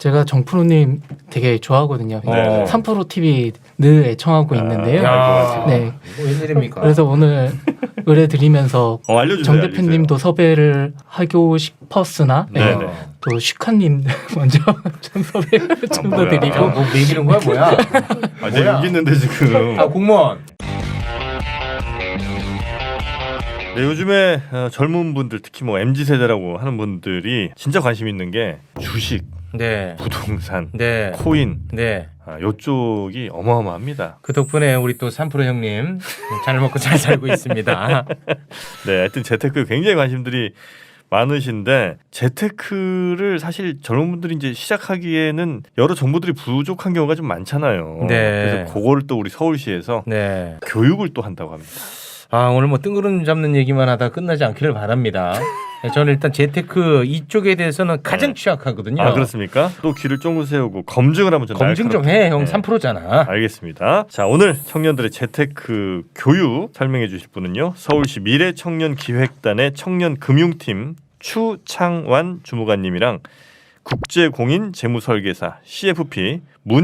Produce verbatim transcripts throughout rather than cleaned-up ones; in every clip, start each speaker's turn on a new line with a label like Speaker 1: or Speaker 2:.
Speaker 1: 제가 정프로님 되게 좋아하거든요.
Speaker 2: 네.
Speaker 1: 삼프로 티비 늘 애청하고 있는데요.
Speaker 2: 아,
Speaker 1: 네.
Speaker 3: 뭐 웬일입니까?
Speaker 1: 그래서 오늘 의뢰 드리면서
Speaker 2: 어, 알려주세요,
Speaker 1: 정 대표님도 섭외를 하고 싶었으나
Speaker 2: 네.
Speaker 1: 네.
Speaker 2: 네.
Speaker 1: 또 슈카님 먼저 좀 섭외를 좀 더
Speaker 2: 뭐야.
Speaker 1: 드리고
Speaker 3: 뭐 매기는 거야 뭐야?
Speaker 2: 아, 내가 여기 있는데 지금.
Speaker 3: 아 공무원.
Speaker 2: 네, 요즘에 어, 젊은 분들 특히 뭐 엠지 세대라고 하는 분들이 진짜 관심 있는 게 주식,
Speaker 3: 네.
Speaker 2: 부동산,
Speaker 3: 네.
Speaker 2: 코인
Speaker 3: 네.
Speaker 2: 아, 요쪽이 어마어마합니다.
Speaker 3: 그 덕분에 우리 또 삼프로 형님 잘 먹고 잘 살고 있습니다.
Speaker 2: 네, 하여튼 재테크에 굉장히 관심들이 많으신데 재테크를 사실 젊은 분들이 이제 시작하기에는 여러 정보들이 부족한 경우가 좀 많잖아요.
Speaker 3: 네.
Speaker 2: 그래서 그거를 또 우리 서울시에서
Speaker 3: 네.
Speaker 2: 교육을 또 한다고 합니다.
Speaker 3: 아 오늘 뭐 뜬구름 잡는 얘기만 하다 끝나지 않기를 바랍니다. 저는 일단 재테크 이쪽에 대해서는 가장
Speaker 2: 네.
Speaker 3: 취약하거든요.
Speaker 2: 아 그렇습니까? 또 귀를 쫑긋 세우고 검증을 한번 좀
Speaker 3: 검증 좀 해. 형 삼 퍼센트잖아.
Speaker 2: 알겠습니다. 자 오늘 청년들의 재테크 교육 설명해 주실 분은요. 서울시 미래청년기획단의 청년금융팀 추창완 주무관님이랑 국제공인 재무설계사 씨에프피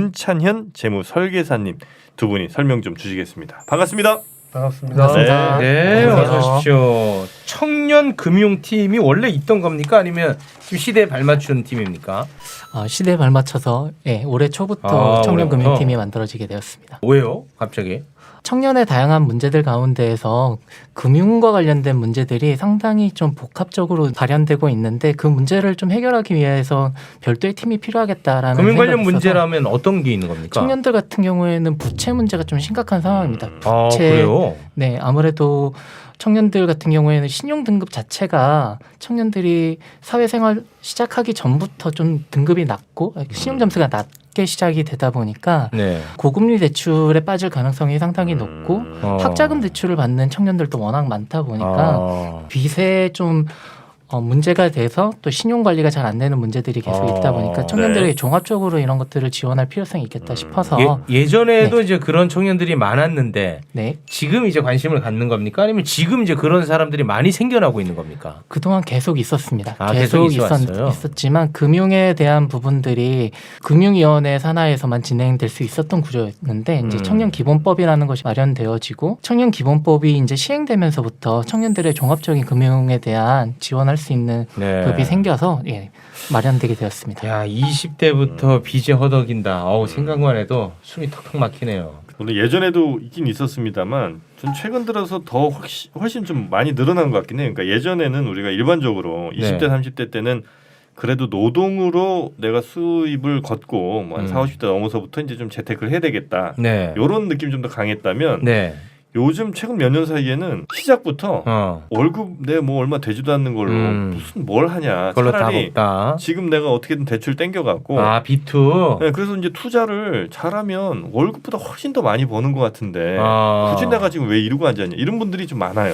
Speaker 2: 문찬현 재무설계사님 두 분이 설명 좀 주시겠습니다. 반갑습니다.
Speaker 4: 반갑습니다.
Speaker 1: 반갑습니다.
Speaker 3: 네,
Speaker 1: 안녕하세요.
Speaker 3: 어서 오십시오. 청년 금융팀이 원래 있던 겁니까? 아니면 지금 시대에 발맞춘 팀입니까?
Speaker 1: 어, 시대에 발맞춰서 예, 올해 초부터
Speaker 3: 아,
Speaker 1: 청년금융팀이
Speaker 3: 올해부터?
Speaker 1: 만들어지게 되었습니다.
Speaker 3: 왜요? 갑자기?
Speaker 1: 청년의 다양한 문제들 가운데에서 금융과 관련된 문제들이 상당히 좀 복합적으로 발현되고 있는데 그 문제를 좀 해결하기 위해서 별도의 팀이 필요하겠다라는
Speaker 3: 금융 관련
Speaker 1: 생각이 있어서
Speaker 3: 문제라면 어떤 게 있는 겁니까?
Speaker 1: 청년들 같은 경우에는 부채 문제가 좀 심각한 상황입니다.
Speaker 3: 아,
Speaker 1: 부채,
Speaker 3: 그래요?
Speaker 1: 네, 아무래도 청년들 같은 경우에는 신용 등급 자체가 청년들이 사회생활 시작하기 전부터 좀 등급이 낮고 신용 점수가 낮게 시작이 되다 보니까
Speaker 3: 네.
Speaker 1: 고금리 대출에 빠질 가능성이 상당히 높고
Speaker 3: 어.
Speaker 1: 학자금 대출을 받는 청년들도 워낙 많다 보니까
Speaker 3: 아.
Speaker 1: 빚에 좀 어, 문제가 돼서 또 신용 관리가 잘 안 되는 문제들이 계속
Speaker 3: 아,
Speaker 1: 있다 보니까 청년들에게
Speaker 2: 네.
Speaker 1: 종합적으로 이런 것들을 지원할 필요성이 있겠다 싶어서
Speaker 3: 예, 예전에도 이제 그런 청년들이 많았는데
Speaker 1: 네.
Speaker 3: 지금 이제 관심을 갖는 겁니까? 아니면 지금 이제 그런 사람들이 많이 생겨나고 있는 겁니까?
Speaker 1: 그동안 계속 있었습니다.
Speaker 3: 아,
Speaker 1: 계속
Speaker 3: 계속
Speaker 1: 있었,
Speaker 3: 있어왔어요?
Speaker 1: 있었지만 금융에 대한 부분들이 금융위원회 산하에서만 진행될 수 있었던 구조였는데 이제
Speaker 3: 음.
Speaker 1: 청년기본법이라는 것이 마련되어지고 청년기본법이 이제 시행되면서부터 청년들의 종합적인 금융에 대한 지원할 수 있는
Speaker 3: 네.
Speaker 1: 법이 생겨서 예, 마련되게 되었습니다.
Speaker 3: 야, 이십 대부터 빚에 허덕인다. 어우, 생각만 해도 숨이 턱턱 막히네요.
Speaker 2: 물론 예전에도 있긴 있었습니다만 전 최근 들어서 더 훨씬, 훨씬 좀 많이 늘어난 것 같긴 해요. 그러니까 예전에는 우리가 일반적으로 이십 대
Speaker 3: 네.
Speaker 2: 삼십 대 때는 그래도 노동으로 내가 수입을 걷고 뭐한
Speaker 3: 음.
Speaker 2: 사오십 대 넘어서부터 이제 좀 재테크를 해야 되겠다.
Speaker 3: 네.
Speaker 2: 이런 느낌이 좀 더 강했다면
Speaker 3: 네.
Speaker 2: 요즘 최근 몇 년 사이에는 시작부터
Speaker 3: 어.
Speaker 2: 월급 내 뭐 얼마 되지도 않는 걸로
Speaker 3: 음.
Speaker 2: 무슨 뭘 하냐.
Speaker 3: 그걸로 다
Speaker 2: 차라리
Speaker 3: 먹다.
Speaker 2: 지금 내가 어떻게든 대출 땡겨갖고
Speaker 3: 아, 비투.
Speaker 2: 네, 그래서 이제 투자를 잘하면 월급보다 훨씬 더 많이 버는 것 같은데
Speaker 3: 아.
Speaker 2: 굳이 내가 지금 왜 이러고 앉았냐 이런 분들이 좀 많아요.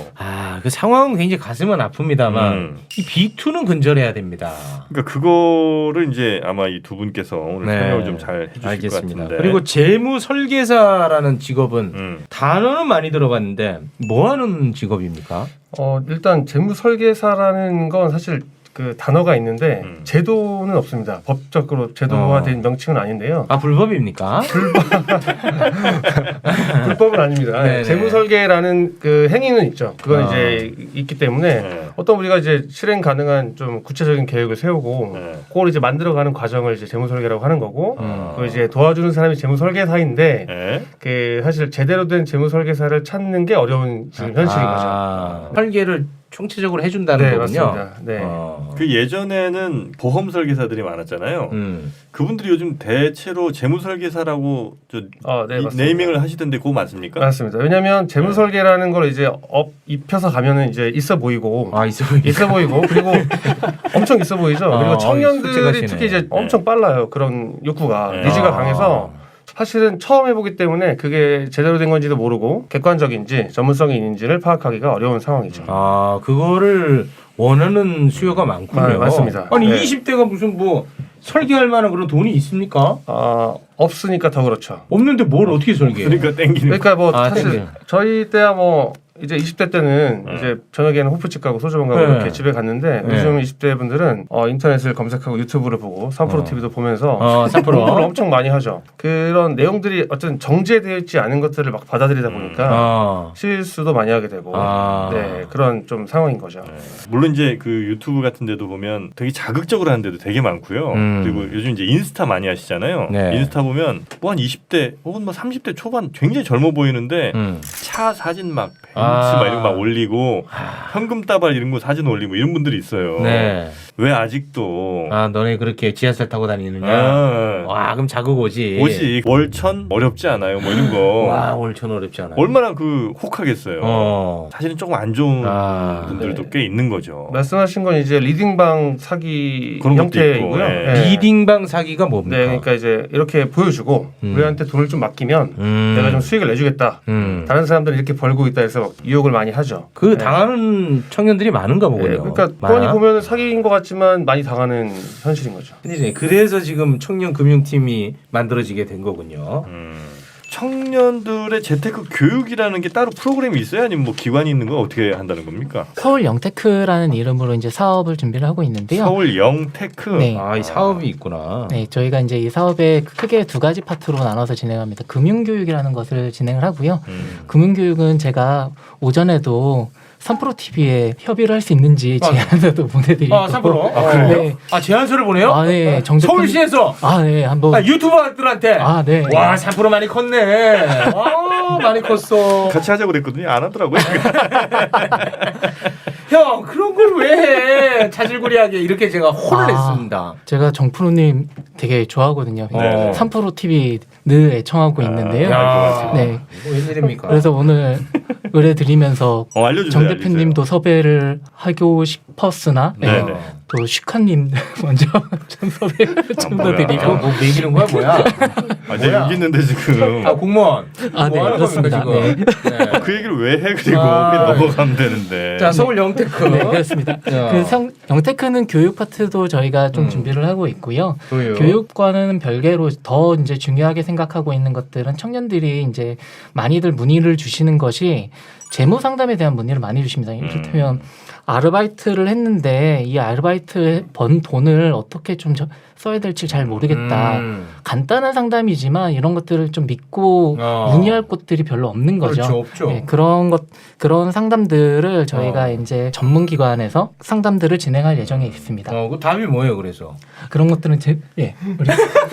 Speaker 3: 아, 그 상황은 굉장히 가슴은 아픕니다만
Speaker 2: 음.
Speaker 3: 이 비투는 근절해야 됩니다.
Speaker 2: 그러니까 그거를 이제 아마 이 두 분께서 오늘
Speaker 3: 네.
Speaker 2: 설명을 좀 잘 해주실
Speaker 3: 알겠습니다.
Speaker 2: 것 같은데.
Speaker 3: 그리고 재무 설계사라는 직업은
Speaker 2: 음.
Speaker 3: 단어는 많이 들어봤는데 뭐 하는 직업입니까?
Speaker 4: 어, 일단 재무 설계사라는 건 사실 그 단어가 있는데
Speaker 2: 음.
Speaker 4: 제도는 없습니다. 법적으로 제도화된
Speaker 3: 어.
Speaker 4: 명칭은 아닌데요.
Speaker 3: 아, 불법입니까?
Speaker 4: 불법은 아닙니다.
Speaker 3: 네네.
Speaker 4: 재무 설계라는 그 행위는 있죠. 그건
Speaker 3: 아.
Speaker 4: 이제 있기 때문에
Speaker 2: 네.
Speaker 4: 어떤 우리가 이제 실행 가능한 좀 구체적인 계획을 세우고
Speaker 2: 네.
Speaker 4: 그걸 이제 만들어가는 과정을 이제 재무 설계라고 하는 거고
Speaker 3: 음.
Speaker 4: 그 이제 도와주는 사람이 재무 설계사인데
Speaker 2: 네.
Speaker 4: 그 사실 제대로 된 재무 설계사를 찾는 게 어려운 지금 현실인 거죠.
Speaker 3: 아, 설계를 총체적으로 해준다는
Speaker 4: 네,
Speaker 3: 거군요.
Speaker 4: 맞습니다. 네.
Speaker 3: 어.
Speaker 2: 그 예전에는 보험 설계사들이 많았잖아요.
Speaker 3: 음.
Speaker 2: 그분들이 요즘 대체로 재무 설계사라고 저
Speaker 4: 어, 네,
Speaker 2: 이-
Speaker 4: 맞습니다.
Speaker 2: 네이밍을 하시던데 그거 맞습니까?
Speaker 4: 맞습니다. 왜냐하면 재무
Speaker 2: 네.
Speaker 4: 설계라는 걸 이제 업 입혀서 가면은 이제 있어 보이고
Speaker 3: 아, 있어 보이네.
Speaker 4: 있어 보이고 그리고 엄청 있어 보이죠.
Speaker 3: 아,
Speaker 4: 그리고
Speaker 3: 어,
Speaker 4: 청년들이
Speaker 3: 솔직하시네.
Speaker 4: 특히 이제 엄청 빨라요. 그런 욕구가
Speaker 2: 네.
Speaker 4: 니즈가
Speaker 3: 아.
Speaker 4: 강해서 사실은 처음 해보기 때문에 그게 제대로 된 건지도 모르고 객관적인지 전문성이 있는지를 파악하기가 어려운 상황이죠.
Speaker 3: 아, 그거를 원하는 수요가 많군요.
Speaker 4: 아, 맞습니다.
Speaker 3: 아니
Speaker 4: 네.
Speaker 3: 이십 대가 무슨 뭐 설계할 만한 그런 돈이 있습니까?
Speaker 4: 아, 없으니까 더 그렇죠.
Speaker 3: 없는데 뭘 어떻게 설계해?
Speaker 2: 그러니까 땡기는.
Speaker 4: 그러니까 뭐
Speaker 3: 아,
Speaker 4: 사실
Speaker 3: 땡겨요.
Speaker 4: 저희 때야 뭐 이제 이십 대 때는
Speaker 2: 네.
Speaker 4: 이제 저녁에는 호프집 가고 소주방 가고
Speaker 3: 네.
Speaker 4: 이렇게 집에 갔는데
Speaker 3: 네.
Speaker 4: 요즘 이십 대 분들은 어, 인터넷을 검색하고 유튜브를 보고 삼 프로
Speaker 3: 어.
Speaker 4: 티비도 보면서
Speaker 3: 어, 삼 프로.
Speaker 4: 공부를 엄청 많이 하죠. 그런 내용들이 어떤 정제되어 있지 않은 것들을 막 받아들이다 보니까
Speaker 3: 어.
Speaker 4: 실수도 많이 하게 되고
Speaker 3: 아.
Speaker 4: 네 그런 좀 상황인 거죠.
Speaker 2: 물론 이제 그 유튜브 같은 데도 보면 되게 자극적으로 하는 데도 되게 많고요.
Speaker 3: 음.
Speaker 2: 그리고 요즘 이제 인스타 많이 하시잖아요.
Speaker 3: 네.
Speaker 2: 인스타 보면 뭐 한 이십 대 혹은 뭐 삼십 대 초반 굉장히 젊어 보이는데
Speaker 3: 음.
Speaker 2: 차 사진 막 벤츠
Speaker 3: 아.
Speaker 2: 막 이런 거 막 올리고 현금 따발 이런 거 사진 올리고 이런 분들이 있어요.
Speaker 3: 네.
Speaker 2: 왜 아직도
Speaker 3: 아 너네 그렇게 지하철 타고 다니느냐?
Speaker 2: 아,
Speaker 3: 와 그럼 자극 오지.
Speaker 2: 오지 월천 어렵지 않아요. 뭐 이런 거
Speaker 3: 와 월천 어렵지 않아.
Speaker 2: 얼마나 그 혹하겠어요.
Speaker 3: 어.
Speaker 2: 사실은 조금 안 좋은
Speaker 3: 아.
Speaker 2: 분들도
Speaker 4: 네.
Speaker 2: 꽤 있는 거죠.
Speaker 4: 말씀하신 건 이제 리딩방 사기
Speaker 2: 그런 것도
Speaker 4: 형태이고요.
Speaker 2: 있고, 예.
Speaker 4: 네.
Speaker 3: 리딩방 사기가 뭡니까?
Speaker 4: 네, 그러니까 이제 이렇게 보여주고
Speaker 3: 음.
Speaker 4: 우리한테 돈을 좀 맡기면
Speaker 3: 음.
Speaker 4: 내가 좀 수익을 내주겠다.
Speaker 3: 음.
Speaker 4: 다른 사람들은 이렇게 벌고 있다 해서 유혹을 많이 하죠.
Speaker 3: 그
Speaker 4: 네.
Speaker 3: 당하는 청년들이 많은가 보군요.
Speaker 4: 네, 그러니까
Speaker 3: 많아?
Speaker 4: 뻔히 보면 사기인 것 같지만 많이 당하는 현실인 거죠.
Speaker 3: 큰일이네. 그래서 지금 청년 금융팀이 만들어지게 된 거군요.
Speaker 2: 음. 청년들의 재테크 교육이라는 게 따로 프로그램이 있어요? 아니면 뭐 기관이 있는 거 어떻게 한다는 겁니까?
Speaker 1: 서울 영테크라는 이름으로 이제 사업을 준비를 하고 있는데요.
Speaker 2: 서울 영테크.
Speaker 1: 네.
Speaker 3: 아, 이 사업이 있구나.
Speaker 1: 네, 저희가 이제 이 사업에 크게 두 가지 파트로 나눠서 진행합니다. 금융교육이라는 것을 진행을 하고요.
Speaker 2: 음.
Speaker 1: 금융교육은 제가 오전에도 삼 프로 티비에 협의를 할 수 있는지
Speaker 3: 아,
Speaker 1: 제안서도 보내드리고.
Speaker 3: 아, 삼 프로?
Speaker 2: 아, 그래요?
Speaker 1: 네.
Speaker 3: 아, 제안서를 보내요?
Speaker 1: 아, 네. 정대표-
Speaker 3: 서울시에서
Speaker 1: 아, 네. 한번.
Speaker 3: 아, 유튜버들한테.
Speaker 1: 아, 네.
Speaker 3: 와, 삼 프로 많이 컸네. 와, 많이 컸어.
Speaker 2: 같이 하자고 그랬거든요. 안 하더라고요.
Speaker 3: 형, 그런 걸 왜 해? 자질구리하게 이렇게 제가 혼을
Speaker 1: 아.
Speaker 3: 냈습니다.
Speaker 1: 제가 정프로님 되게 좋아하거든요.
Speaker 2: 네.
Speaker 1: 삼 프로 티비 늘 애청하고 있는데요.
Speaker 3: 야,
Speaker 1: 네.
Speaker 3: 이거 웬일입니까?
Speaker 1: 그래서 오늘 의뢰드리면서
Speaker 2: 어, 알려주세요.
Speaker 1: 정 대표님도 섭외를 하고 싶었으나
Speaker 2: 네.
Speaker 1: 네.
Speaker 2: 네네.
Speaker 1: 또 슈카님 먼저 좀 섭외를 좀 더
Speaker 2: 뭐야.
Speaker 3: 야,
Speaker 1: 드리고
Speaker 3: 뭐 매기는 거야, 뭐야?
Speaker 2: 아, 내가
Speaker 3: 뭐야?
Speaker 2: 여기 있는데 지금.
Speaker 3: 아, 공무원.
Speaker 1: 아, 네,
Speaker 3: 뭐 하는
Speaker 1: 그렇습니다.
Speaker 3: 겁니까, 지금? 네.
Speaker 2: 그 얘기를 왜 해? 그리고
Speaker 3: 아.
Speaker 2: 그냥 넘어가면 되는데.
Speaker 3: 자, 서울 영테크.
Speaker 1: 네, 그렇습니다.
Speaker 3: 야.
Speaker 1: 그 성, 영테크는 교육 파트도 저희가 좀
Speaker 3: 음.
Speaker 1: 준비를 하고 있고요.
Speaker 3: 교육.
Speaker 1: 교육과는 별개로 더 이제 중요하게 생각하고 있는 것들은 청년들이 이제 많이들 문의를 주시는 것이 재무 상담에 대한 문의를 많이 주십니다. 이를테면 아르바이트를 했는데 이 아르바이트 번 돈을 어떻게 좀 저- 써야 될지 잘 모르겠다.
Speaker 3: 음.
Speaker 1: 간단한 상담이지만 이런 것들을 좀 믿고
Speaker 3: 어.
Speaker 1: 문의할 곳들이 별로 없는 거죠.
Speaker 3: 그렇죠, 없죠.
Speaker 1: 네, 그런 것 그런 상담들을 저희가
Speaker 3: 어.
Speaker 1: 이제 전문 기관에서 상담들을 진행할 예정에 있습니다.
Speaker 3: 어, 그 답이 뭐예요, 그래서?
Speaker 1: 그런 것들은 제 예. 우리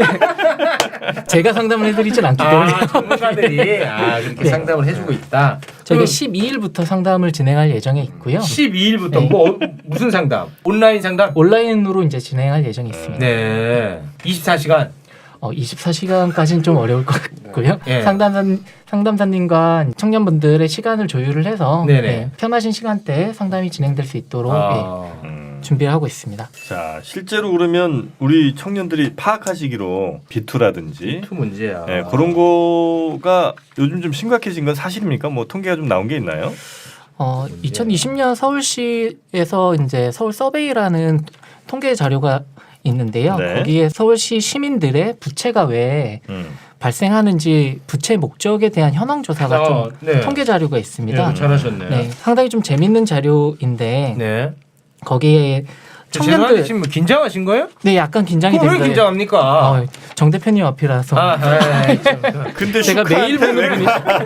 Speaker 1: 제가 상담을 해드리진 않기 때문에
Speaker 3: 아, 전문가들이 아, 그렇게
Speaker 1: 네.
Speaker 3: 상담을 해주고 있다.
Speaker 1: 저희가
Speaker 3: 그럼
Speaker 1: 십이 일부터 상담을 진행할 예정에 있고요.
Speaker 3: 십이 일부터
Speaker 1: 네.
Speaker 3: 뭐 무슨 상담? 온라인 상담?
Speaker 1: 온라인으로 이제 진행할 예정에 있습니다.
Speaker 3: 네. 이십사 시간.
Speaker 1: 어, 이십사 시간까지는 좀 어려울 것 같고요.
Speaker 3: 예.
Speaker 1: 상담사 상담사님과 청년분들의 시간을 조율을 해서
Speaker 3: 네네.
Speaker 1: 예, 편하신 시간대에 상담이 진행될 수 있도록
Speaker 3: 아.
Speaker 2: 음.
Speaker 1: 예, 준비를 하고 있습니다.
Speaker 2: 자, 실제로 그러면 우리 청년들이 파악하시기로 비투라든지
Speaker 3: 그 문제야.
Speaker 2: 예, 그런 거가 요즘 좀 심각해진 건 사실입니까? 뭐 통계가 좀 나온 게 있나요?
Speaker 1: 어, 이천이십 년 서울시에서 이제 서울 서베이라는 통계 자료가 있는데요.
Speaker 2: 네.
Speaker 1: 거기에 서울시 시민들의 부채가 왜
Speaker 2: 음.
Speaker 1: 발생하는지 부채 목적에 대한 현황 조사가
Speaker 3: 아,
Speaker 1: 좀
Speaker 3: 네.
Speaker 1: 통계 자료가 있습니다.
Speaker 3: 네, 잘하셨네.
Speaker 1: 네, 상당히 좀 재밌는 자료인데
Speaker 3: 네.
Speaker 1: 거기에
Speaker 3: 청년들
Speaker 1: 청년들
Speaker 3: 지금 긴 장하신 거예요?
Speaker 1: 네 약간 긴장이
Speaker 3: 그럼 왜
Speaker 1: 됩니다.
Speaker 3: 긴장합니까?
Speaker 1: 어, 정 대표님 앞이라서
Speaker 3: 아, 아, 참.
Speaker 2: 근데
Speaker 1: 제가 매일
Speaker 2: 슈카한테
Speaker 1: 보는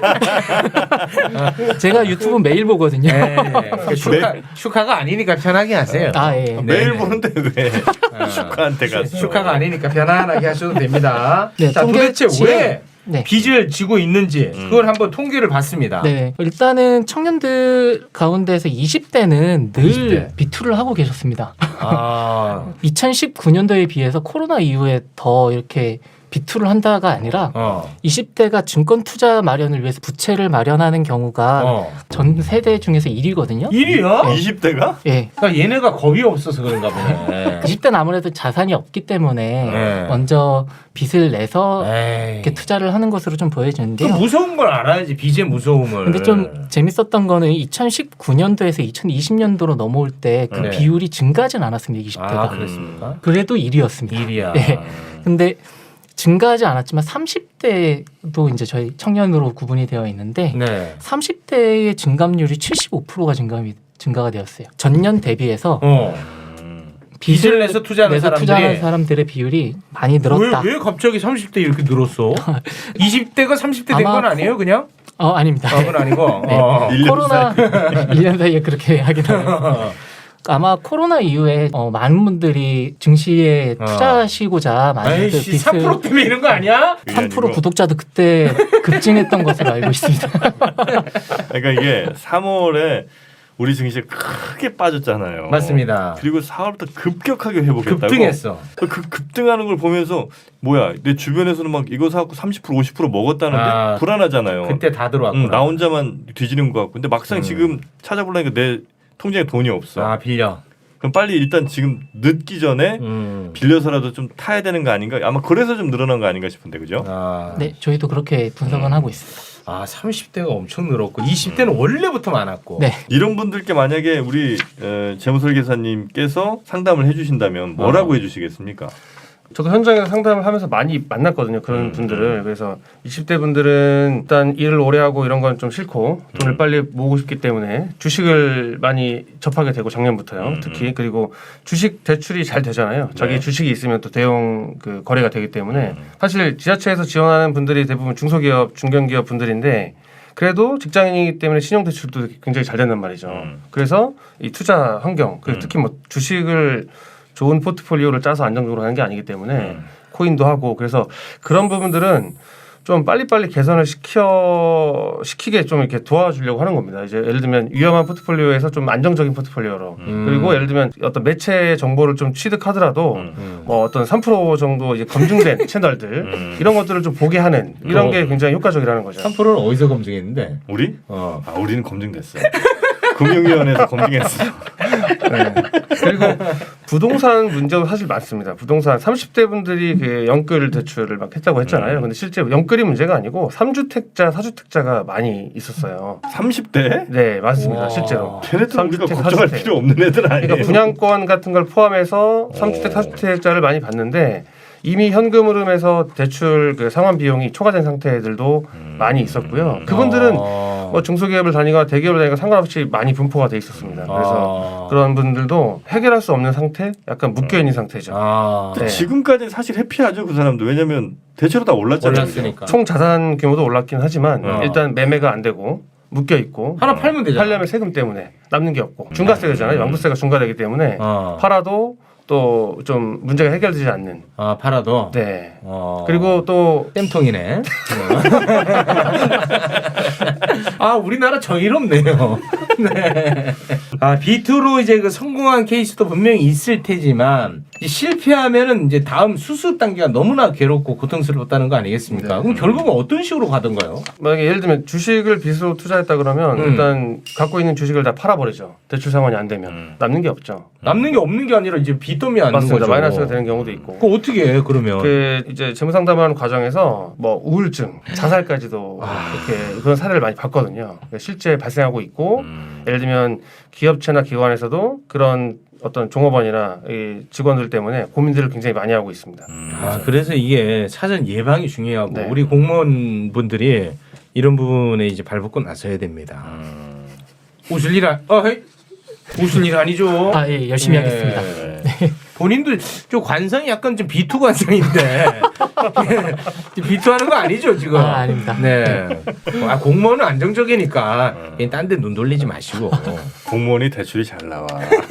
Speaker 2: 왜-
Speaker 1: 분이 제가 유튜브 매일 보거든요.
Speaker 3: 네. 그 슈카, 슈카가 아니니까 편하게 하세요.
Speaker 1: 아 예.
Speaker 3: 네.
Speaker 2: 매일 보는데 왜
Speaker 3: 아.
Speaker 2: 슈카한테 가서
Speaker 3: 슈카가 아니니까 편안하게 하셔도 됩니다.
Speaker 1: 네,
Speaker 3: 자, 도대체
Speaker 1: 통계치에-
Speaker 3: 왜
Speaker 1: 네.
Speaker 3: 빚을 지고 있는지
Speaker 2: 음.
Speaker 3: 그걸 한번 통계를 봤습니다.
Speaker 1: 네. 일단은 청년들 가운데서 이십 대는 늘
Speaker 3: 이십 대.
Speaker 1: 비투를 하고 계셨습니다.
Speaker 3: 아,
Speaker 1: 이천십구 년도에 비해서 코로나 이후에 더 이렇게 비투를 한다가 아니라
Speaker 3: 어,
Speaker 1: 이십 대가 증권 투자 마련을 위해서 부채를 마련하는 경우가
Speaker 3: 어.
Speaker 1: 전 세대 중에서 일 위거든요.
Speaker 3: 일 위야?
Speaker 2: 이십 대가?
Speaker 1: 예.
Speaker 3: 그러니까 얘네가 겁이 없어서 그런가 보네.
Speaker 1: 이십 대는 아무래도 자산이 없기 때문에
Speaker 3: 네.
Speaker 1: 먼저 빚을 내서
Speaker 3: 에이.
Speaker 1: 이렇게 투자를 하는 것으로 좀
Speaker 3: 그
Speaker 1: 보여지는데요.
Speaker 3: 무서운 걸 알아야지 빚의 무서움을.
Speaker 1: 근데 좀 재밌었던 거는 이천십구 년도에서 이천이십 년도로 넘어올 때 그
Speaker 3: 네.
Speaker 1: 비율이 증가하진 않았습니다. 이십 대가.
Speaker 3: 아, 그랬습니까?
Speaker 1: 그래도 일 위였습니다.
Speaker 3: 일이야.
Speaker 1: 네. 근데 증가하지 않았지만 삼십 대도 이제 저희 청년으로 구분이 되어 있는데
Speaker 3: 네.
Speaker 1: 삼십 대의 증감률이 칠십오 퍼센트가 증감이 증가가 되었어요. 전년 대비해서
Speaker 3: 어. 빚을 내서 투자하는
Speaker 1: 내서
Speaker 3: 사람들이
Speaker 1: 투자하는 사람들의 비율이 많이 늘었다.
Speaker 3: 왜, 왜 갑자기 삼십 대 이렇게 늘었어? 이십 대가 삼십 대 된 건
Speaker 1: 아마
Speaker 3: 아니에요, 그냥?
Speaker 1: 어 아닙니다.
Speaker 3: 아, 그건 아니고.
Speaker 1: 네.
Speaker 3: 어.
Speaker 2: 일 년
Speaker 1: 코로나 일 년 사이에 그렇게 하긴 하네요. 아마 코로나 이후에 어, 많은 분들이 증시에
Speaker 3: 어.
Speaker 1: 투자하시고자 많은
Speaker 3: 아이씨, 삼 퍼센트 때문에 이런 거 아니야?
Speaker 1: 삼 퍼센트 구독자도 그때 급증했던 것으로 알고 있습니다.
Speaker 2: 그러니까 이게 삼월에 우리 증시 크게 빠졌잖아요.
Speaker 3: 맞습니다.
Speaker 2: 그리고 사월부터 급격하게 회복했다고.
Speaker 3: 급등했어.
Speaker 2: 그 급등하는 걸 보면서 뭐야 내 주변에서는 막 이거 사갖고 삼십 퍼센트 오십 퍼센트 먹었다는데
Speaker 3: 아,
Speaker 2: 불안하잖아요.
Speaker 3: 그때 다 들어왔구나.
Speaker 2: 응, 나 혼자만 뒤지는 것 같고 근데 막상
Speaker 3: 음.
Speaker 2: 지금 찾아보려니까 내 통장에 돈이 없어.
Speaker 3: 아, 빌려.
Speaker 2: 그럼 빨리 일단 지금 늦기 전에
Speaker 3: 음.
Speaker 2: 빌려서라도 좀 타야 되는 거 아닌가? 아마 그래서 좀 늘어난 거 아닌가 싶은데 그죠?
Speaker 3: 아.
Speaker 1: 네, 저희도 그렇게 분석은 하고 있습니다.
Speaker 3: 아, 삼십 대가 엄청 늘었고 이십 대는 원래부터 많았고.
Speaker 1: 네.
Speaker 2: 이런 분들께 만약에 우리 에, 재무설계사님께서 상담을 해주신다면 뭐라고
Speaker 3: 어.
Speaker 2: 해주시겠습니까?
Speaker 4: 저도 현장에서 상담을 하면서 많이 만났거든요. 그런
Speaker 2: 음.
Speaker 4: 분들을. 그래서 이십 대 분들은 일단 일을 오래 하고 이런 건 좀 싫고 돈을
Speaker 2: 음.
Speaker 4: 빨리 모으고 싶기 때문에 주식을 많이 접하게 되고 작년부터요.
Speaker 2: 음.
Speaker 4: 특히 그리고 주식 대출이 잘 되잖아요. 자기
Speaker 2: 네.
Speaker 4: 주식이 있으면 또 대형 그 거래가 되기 때문에
Speaker 2: 음.
Speaker 4: 사실 지자체에서 지원하는 분들이 대부분 중소기업, 중견기업 분들인데 그래도 직장인이기 때문에 신용대출도 굉장히 잘 된단 말이죠.
Speaker 2: 음.
Speaker 4: 그래서 이 투자 환경, 그리고
Speaker 2: 음.
Speaker 4: 특히 뭐 주식을 좋은 포트폴리오를 짜서 안정적으로 하는 게 아니기 때문에
Speaker 2: 음.
Speaker 4: 코인도 하고 그래서 그런 부분들은 좀 빨리빨리 개선을 시켜 시키게 좀 이렇게 도와주려고 하는 겁니다. 이제 예를 들면 위험한 포트폴리오에서 좀 안정적인 포트폴리오로
Speaker 3: 음.
Speaker 4: 그리고 예를 들면 어떤 매체 정보를 좀 취득하더라도
Speaker 2: 음.
Speaker 3: 음.
Speaker 4: 뭐 어떤 삼 퍼센트 정도 이제 검증된 채널들
Speaker 2: 음.
Speaker 4: 이런 것들을 좀 보게 하는 이런
Speaker 3: 어.
Speaker 4: 게 굉장히 효과적이라는 거죠.
Speaker 3: 삼 퍼센트는 어디서 검증했는데?
Speaker 2: 우리?
Speaker 3: 어.
Speaker 2: 아 우리는 검증됐어. 금융위원회에서 검증했어.
Speaker 4: 네. 그리고 부동산 문제도 사실 많습니다. 부동산 삼십 대 분들이 그 영끌 대출을 막 했다고 했잖아요.
Speaker 2: 음.
Speaker 4: 근데 실제 영끌이 문제가 아니고 삼주택자, 사주택자가 많이 있었어요.
Speaker 2: 삼십 대?
Speaker 4: 네, 맞습니다.
Speaker 3: 와.
Speaker 4: 실제로.
Speaker 2: 걔네들 우리가
Speaker 4: 삼주택,
Speaker 2: 걱정할
Speaker 4: 사주택.
Speaker 2: 필요 없는 애들 아니에요.
Speaker 4: 그러니까 분양권 같은 걸 포함해서 삼주택,
Speaker 2: 오.
Speaker 4: 사주택자를 많이 받는데 이미 현금 흐름에서 대출 그 상환 비용이 초과된 상태들도
Speaker 2: 음.
Speaker 4: 많이 있었고요. 그분들은
Speaker 3: 어.
Speaker 4: 뭐 중소기업을 다니거나 대기업을 다니거나 상관없이 많이 분포가 돼 있었습니다. 그래서
Speaker 3: 아.
Speaker 4: 그런 분들도 해결할 수 없는 상태, 약간 묶여 있는 상태죠.
Speaker 3: 아.
Speaker 4: 네.
Speaker 2: 지금까지는 사실 해피하죠 그 사람도. 왜냐면 대체로 다 올랐잖아요.
Speaker 3: 올랐으니까.
Speaker 4: 총 자산 규모도 올랐긴 하지만
Speaker 3: 어.
Speaker 4: 일단 매매가 안 되고 묶여 있고
Speaker 3: 하나 팔면 되잖아.
Speaker 4: 팔려면 세금 때문에 남는 게 없고 중과세잖아요. 양도세가 중과되기 때문에
Speaker 3: 어.
Speaker 4: 팔아도 또 좀 문제가 해결되지 않는.
Speaker 3: 아, 팔아도.
Speaker 4: 네.
Speaker 3: 어.
Speaker 4: 그리고 또
Speaker 3: 땜통이네. 아, 우리나라 정의롭네요. 네. 아, 비투로 이제 그 성공한 케이스도 분명히 있을 테지만 이제 실패하면은 이제 다음 수습 단계가 너무나 괴롭고 고통스럽다는 거 아니겠습니까?
Speaker 4: 네.
Speaker 3: 그럼 결국은 어떤 식으로 가던가요?
Speaker 4: 만약에 예를 들면 주식을 빚으로 투자했다 그러면
Speaker 3: 음.
Speaker 4: 일단 갖고 있는 주식을 다 팔아버리죠. 대출 상환이 안 되면
Speaker 2: 음.
Speaker 4: 남는 게 없죠.
Speaker 3: 남는 게 없는 게 아니라 이제 빚돈이 안
Speaker 4: 맞습니다.
Speaker 3: 거죠.
Speaker 4: 마이너스가 되는 경우도 있고.
Speaker 3: 그거 어떻게 해 그러면?
Speaker 4: 그 이제 재무 상담하는 과정에서 뭐 우울증, 자살까지도 이렇게 그런 사례를 많이 봤거든요. 그러니까 실제 발생하고 있고
Speaker 2: 음.
Speaker 4: 예를 들면 기업체나 기관에서도 그런 어떤 종업원이나 이 직원들 때문에 고민들을 굉장히 많이 하고 있습니다.
Speaker 2: 음.
Speaker 3: 아, 그래서 이게 사전 예방이 중요하고
Speaker 4: 네.
Speaker 3: 우리 공무원분들이 이런 부분에 이제 발벗고 나서야 됩니다.
Speaker 2: 음.
Speaker 3: 웃을 일 아, 어, 헤이. 웃을 일 아니죠.
Speaker 1: 아, 예, 열심히
Speaker 3: 네.
Speaker 1: 하겠습니다.
Speaker 2: 네.
Speaker 3: 본인도 저 관상이 약간 좀 비투 관상인데 비투 하는 거 아니죠 지금?
Speaker 1: 아, 아닙니다.
Speaker 3: 네. 아, 공무원은 안정적이니까 딴 데 눈 돌리지 마시고.
Speaker 2: 공무원이 대출이 잘 나와.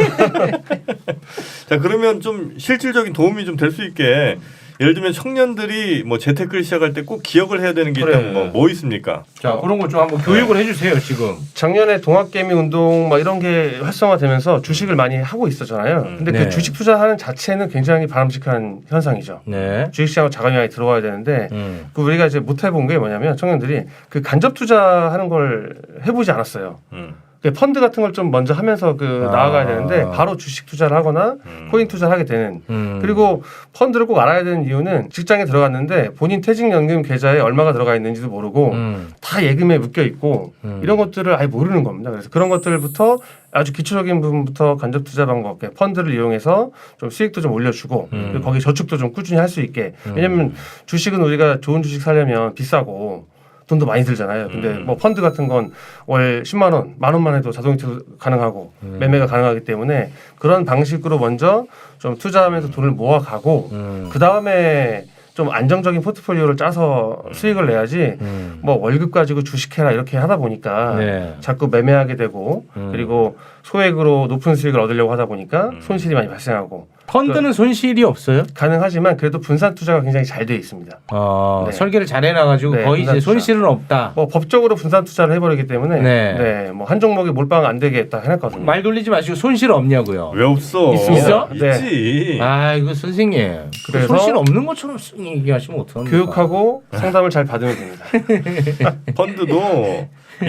Speaker 2: 자 그러면 좀 실질적인 도움이 좀 될 수 있게 예를 들면 청년들이 뭐 재테크를 시작할 때 꼭 기억을 해야 되는 게
Speaker 3: 그래.
Speaker 2: 있다면 뭐, 뭐 있습니까?
Speaker 3: 자 그런 거 좀 한번 교육을 해주세요 지금.
Speaker 4: 작년에 동학개미 운동 막 이런 게 활성화되면서 주식을 많이 하고 있었잖아요. 근데
Speaker 3: 네.
Speaker 4: 그 주식 투자하는 자체는 굉장히 바람직한 현상이죠.
Speaker 3: 네.
Speaker 4: 주식시장으로 자금이 많이 들어와야 되는데
Speaker 3: 음.
Speaker 4: 그 우리가 이제 못 해본 게 뭐냐면 청년들이 그 간접 투자하는 걸 해보지 않았어요.
Speaker 2: 음.
Speaker 4: 그 펀드 같은 걸 좀 먼저 하면서 그
Speaker 3: 아.
Speaker 4: 나아가야 되는데 바로 주식 투자를 하거나
Speaker 2: 음.
Speaker 4: 코인 투자를 하게 되는.
Speaker 3: 음.
Speaker 4: 그리고 펀드를 꼭 알아야 되는 이유는 직장에 들어갔는데 본인 퇴직연금 계좌에 얼마가 들어가 있는지도 모르고
Speaker 3: 음.
Speaker 4: 다 예금에 묶여 있고
Speaker 3: 음.
Speaker 4: 이런 것들을 아예 모르는 겁니다. 그래서 그런 것들부터 아주 기초적인 부분부터 간접 투자 방법, 펀드를 이용해서 좀 수익도 좀 올려주고
Speaker 3: 음.
Speaker 4: 그리고 거기 저축도 좀 꾸준히 할 수 있게.
Speaker 3: 음.
Speaker 4: 왜냐하면 주식은 우리가 좋은 주식 사려면 비싸고 돈도 많이 들잖아요. 근데
Speaker 2: 음.
Speaker 4: 뭐 펀드 같은 건 월 십만 원, 만 원만 해도 자동이체 가능하고
Speaker 3: 음.
Speaker 4: 매매가 가능하기 때문에 그런 방식으로 먼저 좀 투자하면서 돈을 모아가고
Speaker 3: 음.
Speaker 4: 그 다음에 좀 안정적인 포트폴리오를 짜서 수익을 내야지
Speaker 3: 음.
Speaker 4: 뭐 월급 가지고 주식해라 이렇게 하다 보니까
Speaker 3: 네.
Speaker 4: 자꾸 매매하게 되고
Speaker 3: 음.
Speaker 4: 그리고 소액으로 높은 수익을 얻으려고 하다 보니까
Speaker 2: 음.
Speaker 4: 손실이 많이 발생하고
Speaker 3: 펀드는 손실이 없어요?
Speaker 4: 가능하지만 그래도 분산 투자가 굉장히 잘 돼 있습니다.
Speaker 3: 어,
Speaker 4: 네.
Speaker 3: 설계를 잘 해놔가지고
Speaker 4: 네,
Speaker 3: 거의 이제
Speaker 4: 분산 투자.
Speaker 3: 손실은 없다.
Speaker 4: 뭐 법적으로 분산 투자를 해버리기 때문에
Speaker 3: 네.
Speaker 4: 네, 뭐 한 종목에 몰빵 안 되게 딱 해놨거든요.
Speaker 3: 말 돌리지 마시고 손실 없냐고요.
Speaker 2: 왜 없어?
Speaker 3: 있어?
Speaker 2: 있지.
Speaker 3: 아 이거 선생님
Speaker 4: 그래서
Speaker 3: 손실 없는 것처럼 쓱 얘기하시면 어떡합니까?
Speaker 4: 교육하고 상담을 잘 받으면 됩니다.
Speaker 2: 펀드도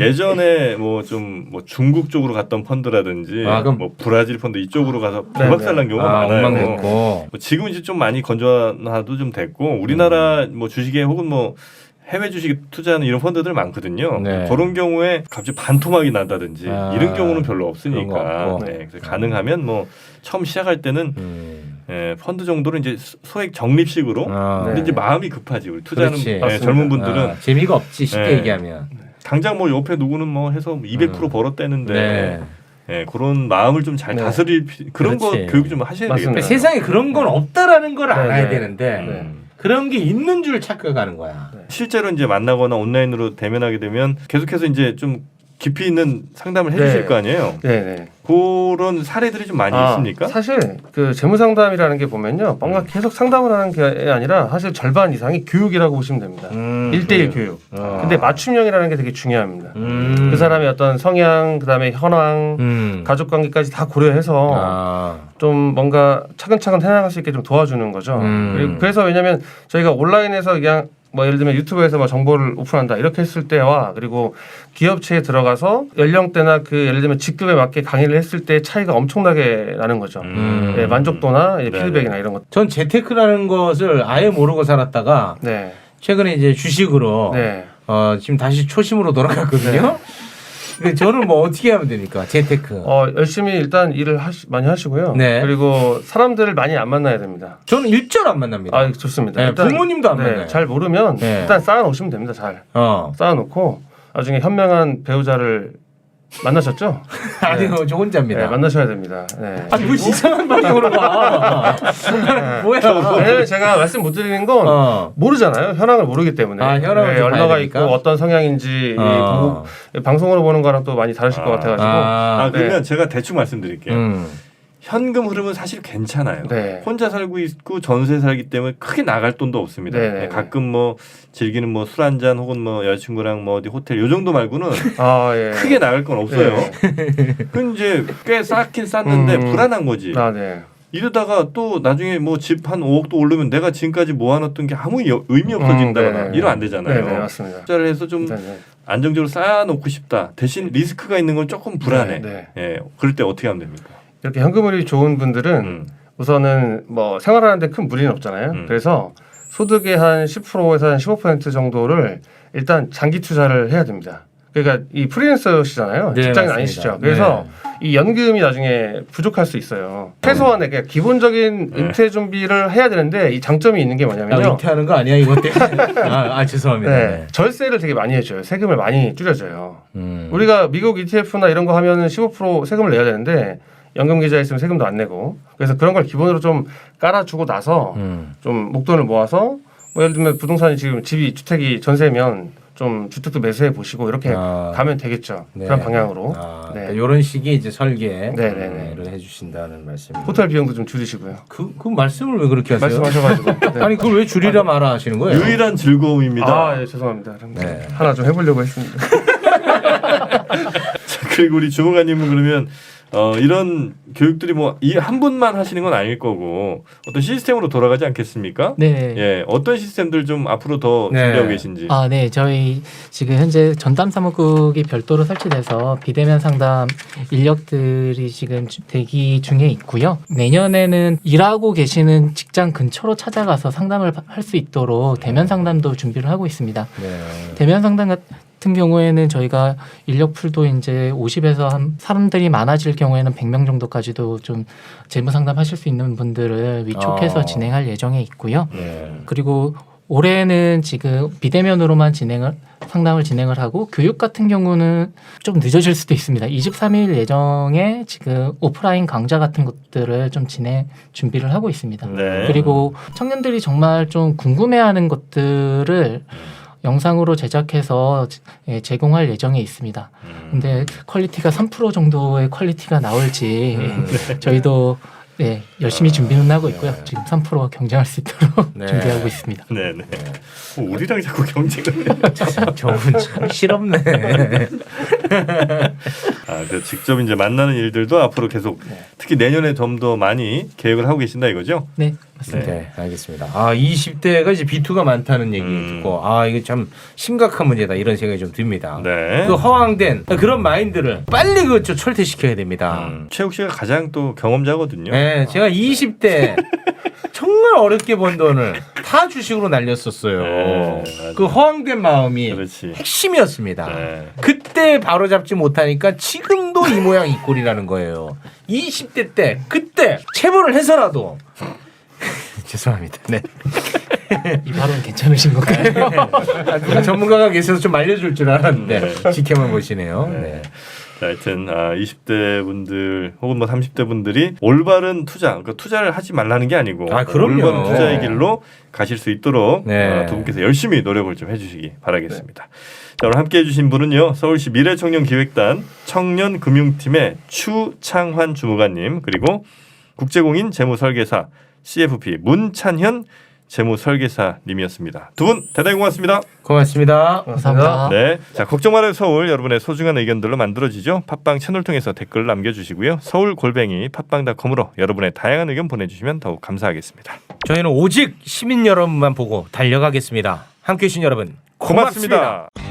Speaker 2: 예전에 뭐 좀 뭐 중국 쪽으로 갔던 펀드라든지
Speaker 3: 아, 그럼-
Speaker 2: 뭐 브라질 펀드 이쪽으로 가서
Speaker 4: 네,
Speaker 2: 불박살난 경우가
Speaker 3: 아,
Speaker 2: 많아요.
Speaker 3: 엉망됐고.
Speaker 2: 뭐 지금 이제 좀 많이 건전화도 좀 됐고 우리나라
Speaker 3: 음.
Speaker 2: 뭐 주식에 혹은 뭐 해외 주식에 투자하는 이런 펀드들 많거든요.
Speaker 3: 네.
Speaker 2: 그런 경우에 갑자기 반토막이 난다든지
Speaker 3: 아,
Speaker 2: 이런 경우는 별로
Speaker 3: 그런 거
Speaker 2: 없으니까
Speaker 3: 없고.
Speaker 2: 네, 그래서 가능하면 뭐 처음 시작할 때는
Speaker 3: 음.
Speaker 2: 예, 펀드 정도는 이제 소- 소액 적립식으로.
Speaker 3: 아,
Speaker 2: 근데
Speaker 4: 네.
Speaker 2: 이제 마음이 급하지 우리 투자하는
Speaker 3: 그렇지.
Speaker 2: 예,
Speaker 4: 맞습니다.
Speaker 2: 젊은 분들은
Speaker 3: 아, 재미가 없지 쉽게
Speaker 2: 네.
Speaker 3: 얘기하면.
Speaker 2: 당장 뭐 옆에 누구는 뭐 해서 이백 퍼센트
Speaker 3: 음.
Speaker 2: 벌었대는데
Speaker 3: 네.
Speaker 2: 예, 그런 마음을 좀 잘
Speaker 4: 네.
Speaker 2: 다스릴 피- 그런
Speaker 3: 그렇지.
Speaker 2: 거 교육 좀 하셔야
Speaker 4: 맞습니다.
Speaker 2: 되겠다.
Speaker 3: 그러니까 세상에 그런 건 없다라는 걸
Speaker 4: 네,
Speaker 3: 알아야
Speaker 4: 네.
Speaker 3: 되는데
Speaker 2: 음.
Speaker 3: 그런 게 있는 줄 착각하는 거야.
Speaker 2: 실제로 이제 만나거나 온라인으로 대면하게 되면 계속해서 이제 좀 깊이 있는 상담을 해주실
Speaker 4: 네.
Speaker 2: 거 아니에요.
Speaker 4: 네네.
Speaker 2: 그런 사례들이 좀 많이
Speaker 4: 아,
Speaker 2: 있습니까?
Speaker 4: 사실 그 재무 상담이라는 게 보면요, 뭔가
Speaker 2: 음.
Speaker 4: 계속 상담을 하는 게 아니라 사실 절반 이상이 교육이라고 보시면 됩니다.
Speaker 3: 음,
Speaker 4: 일대일
Speaker 2: 그래요.
Speaker 4: 교육.
Speaker 3: 어.
Speaker 4: 근데 맞춤형이라는 게 되게 중요합니다.
Speaker 3: 음.
Speaker 4: 그 사람의 어떤 성향, 그다음에 현황,
Speaker 3: 음.
Speaker 4: 가족 관계까지 다 고려해서
Speaker 3: 아.
Speaker 4: 좀 뭔가 차근차근 해나갈 수 있게 좀 도와주는 거죠.
Speaker 3: 음.
Speaker 4: 그리고 그래서 왜냐하면 저희가 온라인에서 그냥 뭐 예를 들면 유튜브에서 뭐 정보를 오픈한다 이렇게 했을 때와 그리고 기업체에 들어가서 연령대나 그 예를 들면 직급에 맞게 강의를 했을 때 차이가 엄청나게 나는 거죠.
Speaker 3: 음.
Speaker 4: 네, 만족도나 이제
Speaker 2: 네네.
Speaker 4: 피드백이나 이런 것.
Speaker 3: 전 재테크라는 것을 아예 모르고 살았다가
Speaker 4: 네.
Speaker 3: 최근에 이제 주식으로
Speaker 4: 네.
Speaker 3: 어, 지금 다시 초심으로 돌아갔거든요. 근데 저는 뭐 어떻게 하면 됩니까? 재테크.
Speaker 4: 어, 열심히 일단 일을 하시, 많이 하시고요.
Speaker 3: 네.
Speaker 4: 그리고 사람들을 많이 안 만나야 됩니다.
Speaker 3: 저는 일절 안 만납니다.
Speaker 4: 아, 좋습니다.
Speaker 3: 네,
Speaker 4: 일단,
Speaker 3: 부모님도 안
Speaker 4: 네,
Speaker 3: 만나요.
Speaker 4: 잘 모르면
Speaker 3: 네.
Speaker 4: 일단 쌓아놓으시면 됩니다. 잘
Speaker 3: 어.
Speaker 4: 쌓아놓고 나중에 현명한 배우자를 만나셨죠?
Speaker 3: 아니, 저
Speaker 4: 네,
Speaker 3: 혼자입니다.
Speaker 4: 만나셔야 됩니다. 네.
Speaker 3: 아니, 뭐 이상한 방향으로 가. 뭐야.
Speaker 4: 왜냐면 제가 말씀 못 드리는 건
Speaker 3: 어.
Speaker 4: 모르잖아요. 현황을 모르기 때문에.
Speaker 3: 아, 현황을
Speaker 4: 네,
Speaker 3: 좀 봐야
Speaker 4: 얼마가
Speaker 3: 되니까?
Speaker 4: 있고 어떤 성향인지 이
Speaker 3: 어.
Speaker 4: 보고, 방송으로 보는 거랑 또 많이 다르실 것
Speaker 2: 아.
Speaker 4: 같아가지고.
Speaker 3: 아,
Speaker 2: 아 그러면
Speaker 4: 네.
Speaker 2: 제가 대충 말씀드릴게요.
Speaker 3: 음.
Speaker 2: 현금 흐름은 사실 괜찮아요.
Speaker 4: 네.
Speaker 2: 혼자 살고 있고 전세 살기 때문에 크게 나갈 돈도 없습니다.
Speaker 4: 네네.
Speaker 2: 네, 가끔 뭐 즐기는 뭐 술 한 잔 혹은 뭐 여자친구랑 뭐 어디 호텔 요 정도 말고는
Speaker 4: 아, 예.
Speaker 2: 크게 나갈 건 없어요. 그 이제 꽤 쌓긴 쌓는데
Speaker 4: 음.
Speaker 2: 불안한 거지.
Speaker 4: 아, 네.
Speaker 2: 이러다가 또 나중에 뭐 집 한 오억도 오르면 내가 지금까지 모아놨던 게 아무 여- 의미 없어진다거나
Speaker 4: 음, 네네.
Speaker 2: 이러면 안 되잖아요.
Speaker 4: 네, 네, 맞습니다.
Speaker 2: 투자를 해서 좀
Speaker 4: 네, 네.
Speaker 2: 안정적으로 쌓아놓고 싶다. 대신 리스크가 있는 건 조금 불안해.
Speaker 4: 네,
Speaker 2: 예, 그럴 때 어떻게 하면 됩니까?
Speaker 4: 이렇게 현금흐름이 좋은 분들은
Speaker 2: 음.
Speaker 4: 우선은 뭐 생활하는데 큰 무리는 없잖아요.
Speaker 2: 음.
Speaker 4: 그래서 소득의 한 십 퍼센트에서 한 십오 퍼센트 정도를 일단 장기 투자를 해야 됩니다. 그러니까 이 프리랜서시잖아요.
Speaker 3: 네,
Speaker 4: 직장인
Speaker 3: 맞습니다.
Speaker 4: 아니시죠. 그래서 이 연금이 나중에 부족할 수 있어요. 최소한의 그냥 기본적인
Speaker 2: 네.
Speaker 4: 은퇴 준비를 해야 되는데 이 장점이 있는 게
Speaker 3: 아,
Speaker 4: 뭐냐면요.
Speaker 3: 은퇴하는 거 아니야 이것 때문에? 아, 아 죄송합니다.
Speaker 4: 네,
Speaker 3: 네.
Speaker 4: 절세를 되게 많이 해줘요. 세금을 많이 줄여줘요.
Speaker 3: 음.
Speaker 4: 우리가 미국 이티에프나 이런 거 하면은 십오 퍼센트 세금을 내야 되는데 연금 계좌에 있으면 세금도 안 내고 그래서 그런 걸 기본으로 좀 깔아주고 나서
Speaker 3: 음.
Speaker 4: 좀 목돈을 모아서 뭐 예를 들면 부동산이 지금 집이 주택이 전세면 좀 주택도 매수해 보시고 이렇게
Speaker 3: 아.
Speaker 4: 가면 되겠죠.
Speaker 3: 네.
Speaker 4: 그런 방향으로.
Speaker 3: 아,
Speaker 4: 네.
Speaker 3: 그러니까 이런 식의 이제 설계를
Speaker 4: 네, 네, 네.
Speaker 3: 해주신다는 말씀입니다.
Speaker 4: 호텔 비용도 좀 줄이시고요.
Speaker 3: 그, 그 말씀을 왜 그렇게 하세요?
Speaker 4: 말씀하셔가지고. 네.
Speaker 3: 아니 그걸 왜 줄이라 말아 하시는 거예요?
Speaker 2: 유일한 즐거움입니다.
Speaker 4: 아, 예, 죄송합니다. 그럼
Speaker 3: 네.
Speaker 4: 하나 좀 해보려고 했습니다.
Speaker 2: 자, 그리고 우리 주무관님은 그러면 어, 이런 교육들이 뭐 이 한 분만 하시는 건 아닐 거고 어떤 시스템으로 돌아가지 않겠습니까?
Speaker 1: 네.
Speaker 2: 예, 어떤 시스템들 좀 앞으로 더
Speaker 3: 네.
Speaker 2: 준비하고 계신지.
Speaker 1: 아, 네. 저희 지금 현재 전담 사무국이 별도로 설치돼서 비대면 상담 인력들이 지금 주- 대기 중에 있고요. 내년에는 일하고 계시는 직장 근처로 찾아가서 상담을 할 수 있도록 대면 상담도 준비를 하고 있습니다.
Speaker 3: 네.
Speaker 1: 대면 상담 같은 같은 경우에는 저희가 인력풀도 이제 오십에서 한 사람들이 많아질 경우에는 백 명 정도까지도 좀 재무 상담하실 수 있는 분들을 위촉해서
Speaker 3: 어.
Speaker 1: 진행할 예정에 있고요.
Speaker 3: 네.
Speaker 1: 그리고 올해는 지금 비대면으로만 진행을 상담을 진행을 하고 교육 같은 경우는 좀 늦어질 수도 있습니다. 이십삼 일 예정에 지금 오프라인 강좌 같은 것들을 좀 진행 준비를 하고 있습니다.
Speaker 2: 네.
Speaker 1: 그리고 청년들이 정말 좀 궁금해하는 것들을 영상으로 제작해서 예, 제공할 예정에 있습니다.
Speaker 2: 음.
Speaker 1: 근데 퀄리티가 삼 퍼센트 정도의 퀄리티가 나올지
Speaker 3: 음.
Speaker 1: 저희도 네, 열심히 준비는 하고 있고요. 지금 삼 퍼센트와 경쟁할 수 있도록
Speaker 3: 네.
Speaker 1: 준비하고 있습니다.
Speaker 2: 네네. 뭐 우리랑 자꾸 경쟁을.
Speaker 3: 저분 참 실없네.
Speaker 2: 아, 그 직접 이제 만나는 일들도 앞으로 계속 특히 내년에 좀 더 많이 계획을 하고 계신다 이거죠?
Speaker 1: 네, 맞습니다.
Speaker 3: 네, 알겠습니다. 아, 이십 대가 이제 비투가 많다는 얘기
Speaker 2: 음.
Speaker 3: 듣고 아, 이거 참 심각한 문제다 이런 생각이 좀 듭니다.
Speaker 2: 네.
Speaker 3: 그 허황된 그런 마인드를 빨리 그 철퇴시켜야 됩니다.
Speaker 2: 음, 최욱 씨가 가장 또 경험자거든요.
Speaker 3: 네, 제가 이십 대 정말 어렵게 번 돈을 다 주식으로 날렸었어요.
Speaker 2: 네, 맞아요.
Speaker 3: 그 허황된 마음이
Speaker 2: 그렇지.
Speaker 3: 핵심이었습니다.
Speaker 2: 네.
Speaker 3: 그때 바로 잡지 못하니까 지금도 이 모양 이 꼴이라는 거예요. 이십 대 때 그때 체벌을 해서라도 죄송합니다. 네.
Speaker 1: 이 발언 괜찮으신 건가요?
Speaker 3: 아, 누가 전문가가 계셔서 좀 알려줄 줄 알았는데
Speaker 2: 네.
Speaker 3: 지켜만 보시네요.
Speaker 2: 네.
Speaker 3: 네.
Speaker 2: 자, 하여튼 아, 이십 대 분들 혹은 뭐 삼십 대 분들이 올바른 투자, 그러니까 투자를 하지 말라는 게 아니고
Speaker 3: 아, 그럼요.
Speaker 2: 올바른 투자의 길로 가실 수 있도록
Speaker 3: 네.
Speaker 2: 어, 두 분께서 열심히 노력을 좀 해주시기 바라겠습니다. 자, 오늘 함께해 주신 분은요, 서울시 미래청년기획단 청년금융팀의 추창환 주무관님, 그리고 국제공인 재무설계사 씨에프피 문찬현 재무설계사님이었습니다. 두 분 대단히 고맙습니다.
Speaker 3: 고맙습니다.
Speaker 1: 감사합니다.
Speaker 2: 네, 자 걱정 말아요 서울, 여러분의 소중한 의견들로 만들어지죠. 팟빵 채널 통해서 댓글 남겨주시고요. 서울 골뱅이 팟빵닷컴으로 여러분의 다양한 의견 보내주시면 더욱 감사하겠습니다.
Speaker 3: 저희는 오직 시민 여러분만 보고 달려가겠습니다. 함께해 주신 여러분 고맙습니다.
Speaker 2: 고맙습니다.